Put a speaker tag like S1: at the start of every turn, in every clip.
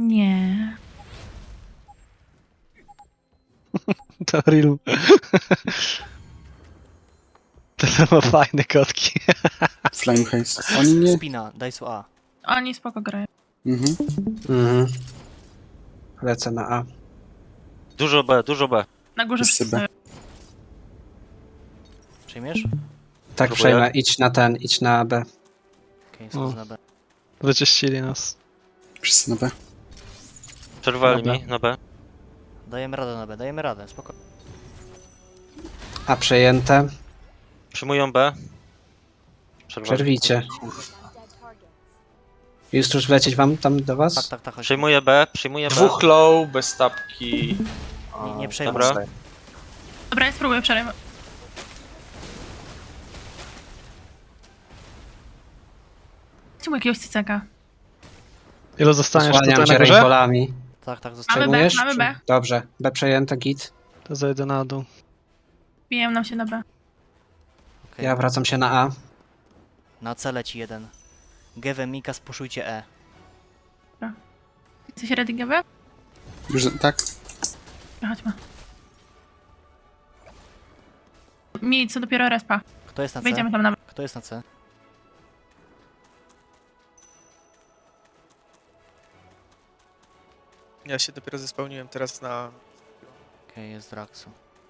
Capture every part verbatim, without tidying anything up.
S1: Nie.
S2: To real. To ma fajne kotki.
S3: Flame haste. Oni nie...
S4: Spina, daj su A.
S1: Oni spoko grają.
S3: Mhm.
S5: Mhm. Lecę na A.
S6: Dużo B, dużo B.
S1: Na górze
S3: Wszyscy
S1: wszyscy.
S3: B.
S4: Przyjmiesz?
S5: Tak,
S6: Próbuję.
S5: przejmę. Idź na ten, idź na B.
S4: Okej,
S2: O.
S4: okay, na B.
S2: Wyczyścili nas.
S3: Wszyscy na B.
S6: Przerwali
S5: Dobra.
S6: mi na B.
S4: Dajemy radę na B, dajemy radę, spoko.
S5: A przejęte.
S6: Przyjmują B. Przerwali.
S5: Przerwijcie. Justus wlecieć wam tam do was?
S4: Tak, tak, tak, chodź.
S6: Przyjmuję B, przyjmuję B.
S7: Dwóch low, bez tapki.
S4: Nie, nie przejmuj.
S6: Dobra.
S1: Dobra, ja spróbuję przerwać. Chcę mu jakiegoś cycaka.
S2: Ilu zostaniesz
S5: Osłaniam
S2: tutaj
S5: cię
S2: na górze?
S5: rainbolami.
S4: Tak, tak,
S1: Mamy
S4: zostawiam.
S1: B,
S5: Przejmujesz?
S1: mamy B.
S5: Dobrze. B przejęte, git.
S2: To zejdę na dół.
S1: Biją nam się na B.
S4: Okay.
S5: Ja wracam się na A.
S4: Na C leci jeden. Geve, Mika, spuszujcie E.
S1: Jesteś ready, G B?
S3: Już, tak?
S1: Chodźmy. Mi co dopiero respa.
S4: Kto jest na C?
S1: Wejdziemy tam na B.
S4: Kto jest na C?
S8: Ja się dopiero zespełniłem teraz na...
S4: Okej, okay, jest Draxu.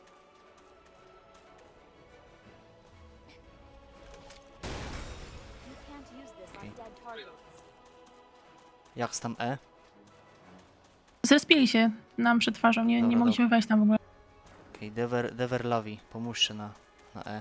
S4: Jak z tam E?
S1: Zrespili się nam przed twarzą, nie,
S4: Dobra,
S1: nie mogliśmy wejść tam w ogóle.
S4: Okej, okay, Dever, Dever Lavi, pomóżcie na, na E.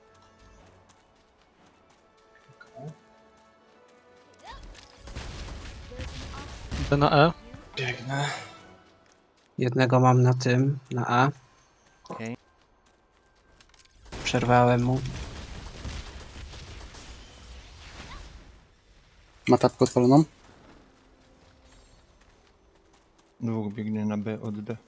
S2: Idę na E.
S7: Biegnę.
S5: Jednego mam na tym, na A.
S4: Okej. Okay.
S5: Przerwałem mu.
S3: Ma tapkę odpaloną?
S9: Dwóch biegnie na B od D.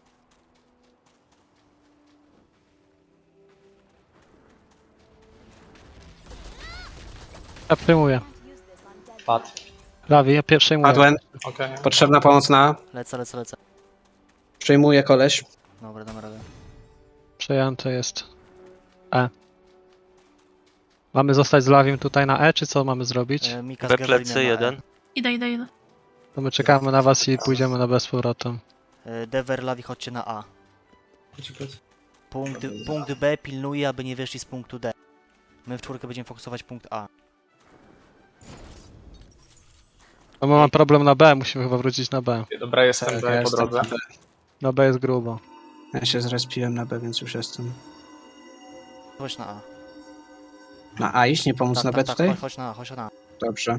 S2: Ja przyjmuję.
S7: Padł.
S2: Lawi, ja pierwszej mówię.
S5: Padłem.
S7: Okej.
S5: Potrzebna pomoc na A.
S4: Lecę, lecę, lecę.
S5: Przejmuję koleś.
S4: Dobra, dam radę.
S2: Przejęte jest E. Mamy zostać z Lawim tutaj na E, czy co mamy zrobić?
S4: E, Mika z
S6: B
S4: Gavelinem
S6: plecy
S4: na E.
S6: jeden.
S1: Idę, idę, idę.
S2: To my czekamy na was i pójdziemy na B z powrotem.
S4: E, Dever Lavi, chodźcie na A. Punkt, punkt B pilnuje, aby nie wyszli z punktu D. My w czwórkę będziemy fokusować punkt A.
S2: No my mamy problem na B, musimy chyba wrócić na B.
S7: Dobra, jestem
S5: Tak,
S7: B
S5: ja
S7: po
S5: jestem
S7: drodze.
S5: na B.
S2: Na B jest grubo.
S5: Ja się zrespiłem na B, więc już jestem.
S4: Chodź na A.
S5: Na A iść, nie pomóc
S4: Tak,
S5: na
S4: tak,
S5: B
S4: tak,
S5: tutaj?
S4: chodź, chodź na A, chodź na A.
S5: Dobrze.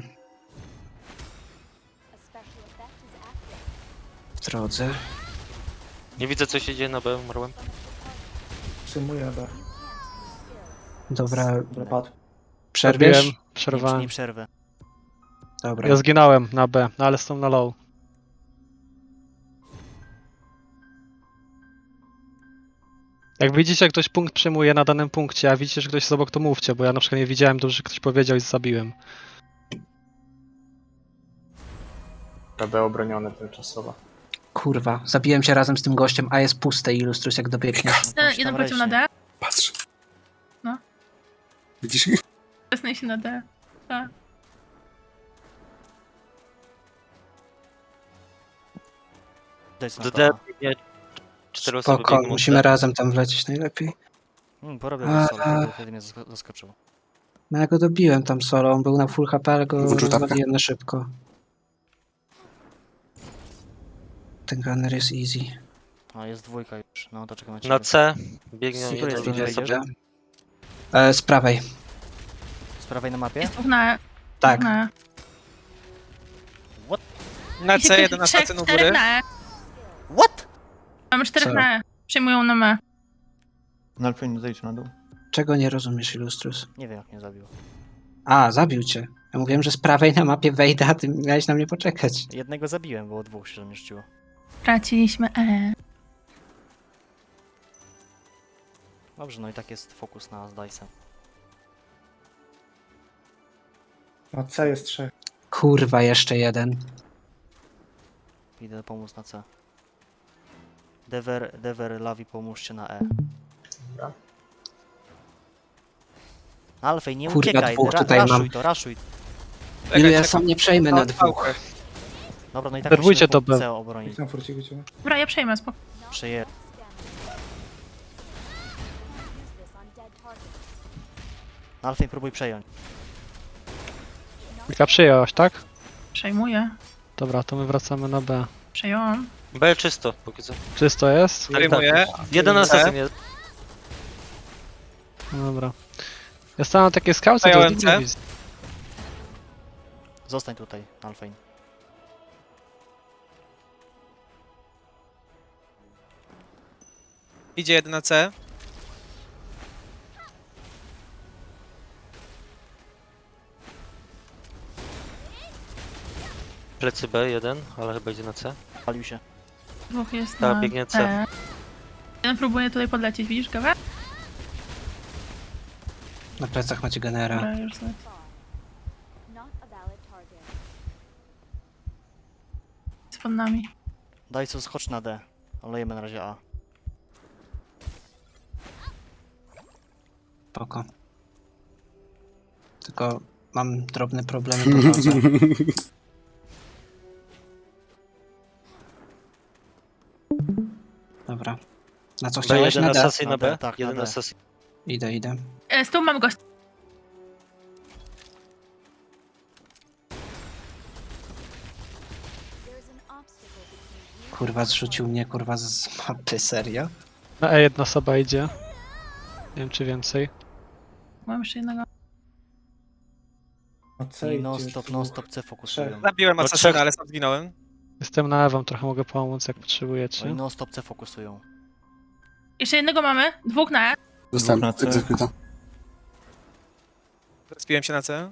S5: W drodze.
S6: Nie widzę co się dzieje na B, umarłem.
S7: Przyjmuję B.
S5: Dobra,
S7: Padł.
S5: przerwiesz?
S2: Zabiłem,
S4: Nie,
S2: przerwałem.
S4: nie przerwę.
S5: Dobra.
S2: Ja zginąłem na B, no ale są na low. Jak widzicie, jak ktoś punkt przyjmuje na danym punkcie, a widzicie, że ktoś jest obok, to mówcie, bo ja na przykład nie widziałem dobrze, że ktoś powiedział i zabiłem.
S7: B obronione tymczasowo.
S5: Kurwa, zabiłem się razem z tym gościem, a jest puste, Illustrus, jak dobiegniesz.
S4: No,
S1: Jeden,
S4: tam
S1: jeden poleciał na
S4: leci.
S1: D.
S3: Patrz.
S1: No.
S3: Widzisz?
S1: Wesnę się na D. Tak.
S4: Daj sobie
S6: Do
S4: na
S6: D
S4: to A.
S6: biegnie cztery osoby
S5: Spoko,
S6: biegną.
S5: musimy razem tam wlecieć najlepiej.
S4: Hmm, porobię
S5: A,
S4: go solo,
S5: a.
S4: wtedy, wtedy mnie zask- zaskoczył.
S5: No ja go dobiłem tam solo, on był na full H P, ale go
S3: Wyczuł tapkę?
S5: rozwaliłem na szybko. Ten gunner jest easy.
S4: A, jest dwójka już, no to czekam na ciebie.
S6: Na C biegną
S4: Super jest,
S6: jeden,
S4: idzie,
S6: jeden
S4: idzie.
S6: sobie.
S5: E, z prawej.
S4: Z prawej na mapie?
S1: Jest dwóch na E.
S5: Tak.
S1: Dwóch na E.
S8: Na
S1: I się
S8: C, jeden na
S1: trzech,
S8: stację u
S1: czterech
S8: góry.
S1: na E.
S4: What?
S1: Mamy czterech
S5: Co?
S1: na E. Przejmują nam E.
S9: Na Alfie zejdź na dół.
S5: Czego nie rozumiesz, Illustrus?
S4: Nie wiem jak mnie zabił.
S5: A, zabił cię. Ja mówiłem, że z prawej na mapie wejdę, a ty miałeś na mnie poczekać.
S4: Jednego zabiłem, było dwóch się zmieściło.
S1: Traciliśmy E.
S4: Dobrze, no i tak jest fokus na z Dice'em.
S7: Na C jest trzech.
S5: Kurwa, jeszcze jeden.
S4: Idę pomóc na C. Dever, Dever, Lavi, pomóżcie na E.
S7: Dobra.
S4: Alfej, nie
S5: Kurwa,
S4: uciekaj,
S5: dwóch
S4: ra,
S5: tutaj mam.
S4: raszuj to, raszuj.
S5: Ilu ja sam nie przejmę na dwóch.
S4: Dobra, no i tak
S2: Zerwujcie
S4: musimy
S2: to
S4: punkt
S2: B.
S4: C obronić.
S7: Na furciku cię.
S1: Dobra, ja przejmę, spoko.
S4: Przeje... Alfej, próbuj przejąć.
S2: Mika przyjęłaś, tak?
S1: Przejmuję.
S2: Dobra, to my wracamy na B.
S1: Przejąłam.
S6: B czysto, póki co.
S2: Czysto jest?
S6: Tak,
S8: Przejmuję.
S6: Jeden asasyn jest.
S2: No dobra. Ja stałem na takie skałce, to
S8: Zająłem
S2: nikt nie
S8: C.
S2: widzę.
S4: Zostań tutaj, Alfej.
S8: Idzie jeden na C.
S6: Plecy B jeden, ale chyba idzie na C.
S4: Palił się.
S1: Dwóch jest
S6: Ta,
S1: na
S6: biegnie C.
S1: C. Jeden próbuje tutaj podlecieć, widzisz go?
S5: Na plecach macie genera.
S1: Dobra, już sobie. Jest pod nami.
S4: Daj co, skocz na D. Olejemy na razie A.
S5: Spoko. Tylko mam drobne problemy po drodze. Dobra. Na co
S6: B
S5: chciałeś?
S6: jeden
S5: Na D?
S6: asasyn na
S4: Na D,
S6: B.
S4: tak, na
S6: Jeden
S4: D.
S6: asasyn.
S5: Idę, idę.
S1: E, z tyłu mam gość.
S5: Kurwa, zrzucił mnie, kurwa, z mapy, serio?
S2: Na E jedna osoba idzie. Nie wiem czy więcej.
S1: Mam jeszcze jednego.
S4: I non stop, non stop C fokusują.
S8: Zabiłem
S6: No
S8: asasyna,
S6: trzech.
S8: ale sam zginąłem.
S2: Jestem na E, wam trochę mogę pomóc jak
S4: No i
S2: potrzebujecie.
S4: non stop C fokusują.
S1: Jeszcze jednego mamy. Dwóch na E.
S3: Dostałem
S9: Dwóch na C.
S3: egzekuta.
S8: Zrespiłem się na C.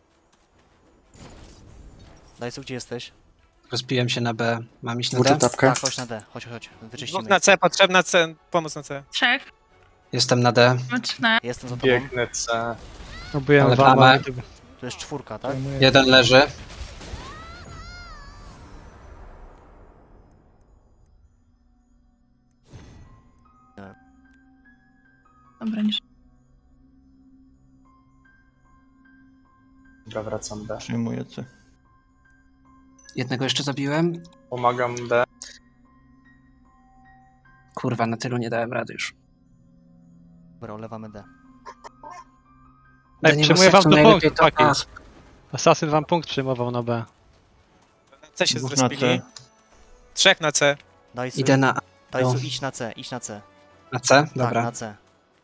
S4: Daj co, gdzie jesteś?
S5: Rozpiłem się na B. Mam iść na
S3: Włóczę
S5: D?
S3: tapkę.
S4: Tak, chodź na D, chodź, chodź,
S8: Dwóch
S4: wyczyścimy.
S8: na C, potrzebna C, pomoc na C.
S1: Trzech.
S5: Jestem na D.
S1: Mamy trzech na E.
S4: Jestem za tobą.
S7: Biegnę C.
S2: Próbuję
S5: Ale
S2: wam,
S5: plamę.
S2: ale gdyby-
S4: To jest czwórka, tak?
S5: Jeden leży.
S1: Dobra, niż.
S7: Dobra, wracam B.
S9: Przyjmuję C.
S5: Jednego jeszcze zabiłem.
S7: Pomagam D.
S5: Kurwa, na tylu nie dałem rady już.
S4: Dobra, olewamy D.
S5: D
S2: Ej,
S5: nie ma
S2: przyjmuję wam
S5: sensu,
S2: do
S5: najlepiej
S2: punktu,
S5: to A.
S2: chłopaki. Asasyn wam punkt przyjmował na B.
S8: Na C się
S9: Dwóch na
S8: zrespili.
S9: C.
S8: Trzech na C.
S4: Daj co,
S5: Idę na A.
S4: daj
S5: no.
S4: co, idź na C, idź na C.
S5: Na C?
S4: Tak,
S5: Dobra.
S4: na C.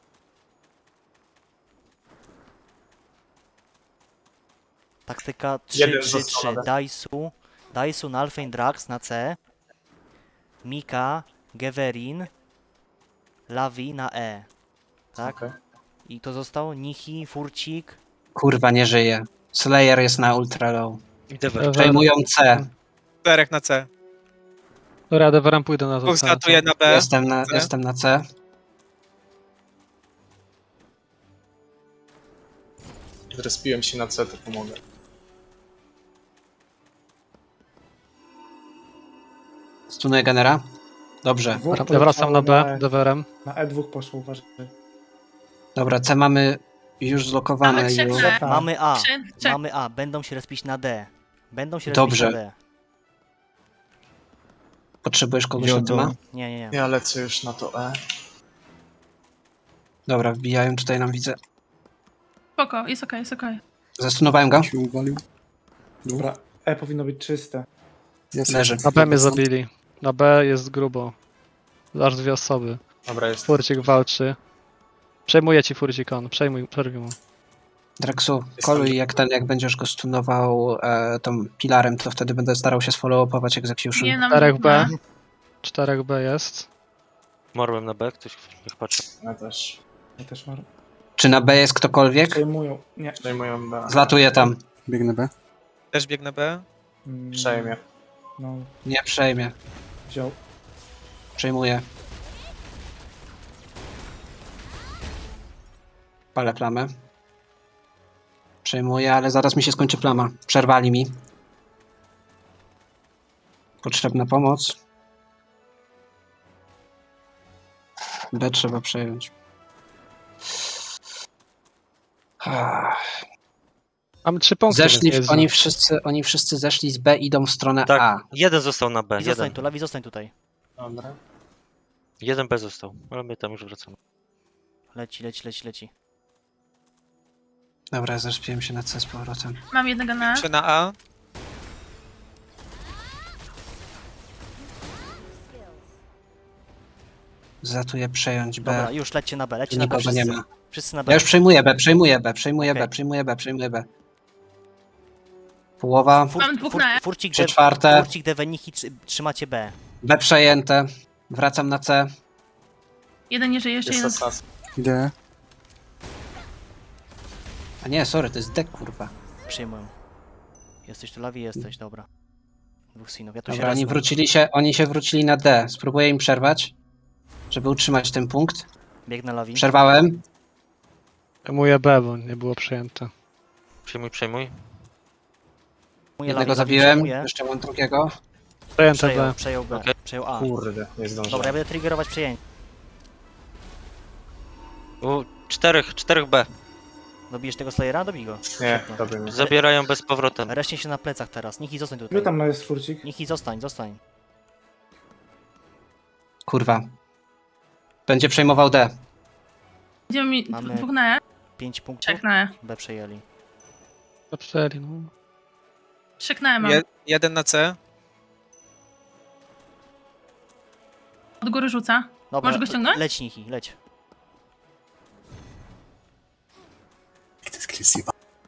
S4: Taktyka trzy
S7: Jeden
S4: trzy
S7: został
S4: trzy.
S7: na D.
S4: Daisu, Daisu, Nalfein, Drax na C. Mika, Geverin, Lavi na E. Tak?
S7: Okej.
S4: I to zostało Nichi, Furcik.
S5: Kurwa, nie żyje. Slayer jest na ultra low.
S6: I Dever.
S5: Przejmują C.
S8: Czterech na C.
S2: Dobra, Deverem pójdę na to.
S8: Dwóch
S2: C.
S8: statuje na B.
S5: Jestem na,
S8: C.
S5: jestem na C.
S7: Zrespiłem się na C, to pomogę.
S5: Stunuję genera. Dobrze.
S2: Ja wracam na B, Deverem.
S7: Na E dwa poszło, uważaj.
S5: Dobra, C mamy już zlokowane.
S1: Mamy trzech
S5: Już.
S1: na E.
S4: Mamy A.
S1: Trzy, trzech.
S4: Mamy A. Będą się respić na D. Będą się
S5: Dobrze.
S4: respić na D.
S5: Potrzebujesz kogoś na
S9: Jodo.
S5: tyma?
S4: Nie, nie, nie.
S7: Ja lecę już na to E.
S5: Dobra, wbijają tutaj nam, widzę.
S1: Spoko, jest okej, jest okej.
S5: Zastunowałem go.
S3: Się uwalił.
S7: Dobra, E powinno być czyste.
S3: Jest.
S5: Leży.
S2: Na B mnie zabili. Na B jest grubo. Aż dwie osoby.
S7: Dobra, jest.
S2: Furcik walczy. Przejmuję ci Furcik on, przejmuj, przerwij mu.
S5: Draxu, koluj jak ten, jak będziesz go stunował e, tą pilarem, to wtedy będę starał się sfollowować execution.
S1: Nie nam
S2: Czterech
S1: dwóch
S2: B.
S1: na E.
S2: czterech B jest.
S6: Morłem na B, ktoś niech patrzy.
S7: Ja też.
S10: Ja też mam.
S5: Czy na B jest ktokolwiek?
S10: Przejmują. Nie.
S7: Przejmują B.
S5: Zlatuję tam.
S3: Biegnę B.
S8: Też biegnę B.
S10: Mm,
S7: Przejmie.
S10: No,
S5: Nie przejmie.
S10: wziął.
S5: Przejmuję. Palę plamę. Przejmuję, ale zaraz mi się skończy plama. Przerwali mi. Potrzebna pomoc. B trzeba przejąć. Ah.
S2: Mamy trzy punkty.
S5: Zeszli,
S2: więc
S5: w,
S2: nie
S5: oni,
S2: jest
S5: wszyscy, oni wszyscy zeszli z B, idą w stronę
S6: Tak,
S5: A.
S6: jeden został na B,
S4: I zostań
S6: jeden.
S4: tu, Lawi, zostań tutaj.
S3: Dobra.
S6: Jeden B został, ale my tam już wracamy.
S4: Leci, leci, leci, leci.
S5: Dobra, zrespiłem się na C z powrotem.
S1: Mam jednego na...
S8: trzy na A.
S5: Zatuję przejąć B.
S4: Dobra, już lećcie na B,
S5: Tu
S4: lećcie na B
S5: nikogo
S4: wszyscy.
S5: nie ma.
S4: Wszyscy na B.
S5: Ja już przejmuję B, przejmuję B, przejmuję
S4: Okej.
S5: B, przejmuję B, przejmuję B, przejmuję B. Połowa,
S4: Fur,
S1: Mam dwóch
S4: fur,
S1: na E.
S4: furcik,
S5: trzy
S4: de,
S5: czwarte,
S4: furcik Deveniki trzy- trzymacie B.
S5: B przejęte. Wracam na C.
S1: Jeden nie żyje, jeszcze jeden.
S3: Idę.
S5: A nie, sorry, to jest D, kurwa.
S4: Przyjmuję. Jesteś tu, Lawi? Jesteś, dobra. Dwóch synów, ja tu
S5: Dobra,
S4: się
S5: oni
S4: resnę.
S5: wrócili się, oni się wrócili na D. Spróbuję im przerwać, żeby utrzymać ten punkt.
S4: Biegnę Lawi.
S5: Przerwałem.
S2: Przejmuję B, bo nie było przyjęte.
S6: Przejmuj, przejmuj.
S4: Przyjmuję
S5: Jednego
S4: Lawi, Lawi
S5: zabiłem,
S4: przyjmuję.
S5: jeszcze mam drugiego.
S2: Przejęte
S4: Przejął,
S2: B.
S4: przejął B,
S6: Okej.
S4: przejął A.
S7: Kurde, nie zdążyłem.
S4: Dobra, ja będę triggerować przejęcie.
S6: U, czterech, czterech B.
S4: Dobijesz tego Slayera? Dobij go.
S7: Nie,
S4: Świetnie.
S7: dobry mnie.
S6: Zabierają bez powrotem.
S4: Reszcie się na plecach teraz. Niech i zostań
S10: Ile
S4: tutaj.
S10: tam jest furcik?
S4: Niech i zostań, zostań.
S5: Kurwa. Będzie przejmował D.
S1: Idziemy mi
S4: Mamy-
S1: dwóch na E,
S4: Pięć punktów.
S1: trzech na E.
S4: B przejęli.
S2: Zaczęli, no.
S1: Trzech na E mam.
S8: Je, jeden na C.
S1: Od góry rzuca.
S4: Dobra,
S1: Możesz go ściągnąć?
S4: leć Niki, leć.
S3: To jest Chrissy.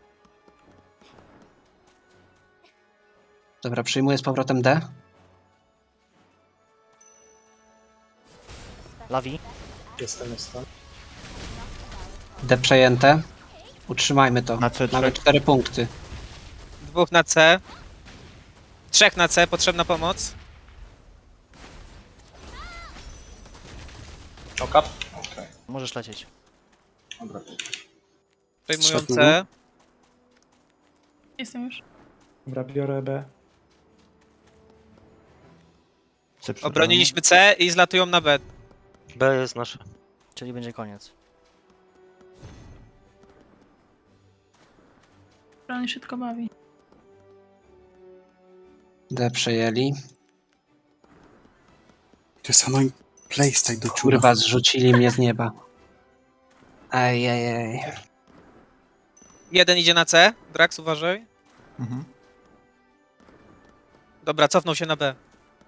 S5: Dobra, przyjmuję z powrotem D.
S4: Lawi.
S7: Jestem, jestem.
S5: D przejęte. Utrzymajmy to.
S9: Na C
S5: Mamy
S9: trzech.
S5: cztery punkty.
S8: Dwóch na C. Trzech na C, potrzebna pomoc.
S7: Okap? Okej,
S4: Możesz lecieć.
S7: dobra.
S8: Przejmują
S3: Trzech
S8: C.
S1: Jestem już.
S10: Dobra, biorę B.
S9: C przed
S8: Obroniliśmy C i zlatują na B.
S6: B jest nasze.
S4: Czyli będzie koniec.
S1: On się tylko bawi.
S5: D przejęli.
S3: To jest annoying playstyle do czura.
S5: Kurwa, zrzucili mnie z nieba. Ej, ej, ej.
S8: Jeden idzie na C. Drax, uważaj.
S9: Mhm.
S8: Dobra, cofnął się na B.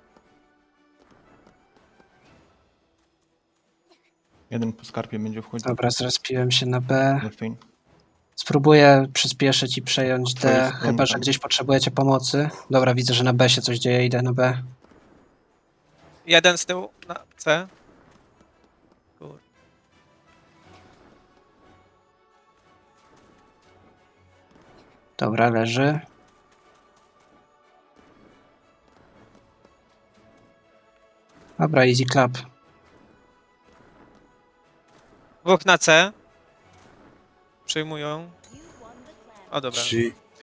S9: Jeden po skarpie będzie wchodził.
S5: Dobra, zrespiłem się na B.
S9: Delfin.
S5: Spróbuję przyspieszyć i przejąć D,
S9: Twoje
S5: chyba
S9: strony
S5: że
S9: tam.
S5: gdzieś potrzebujecie pomocy. Dobra, widzę, że na B się coś dzieje, idę na B.
S8: Jeden z tyłu na C. Kur-
S5: Dobra, leży. Dobra, easy clap.
S8: Dwóch na C. Przejmują. O dobra.
S3: G.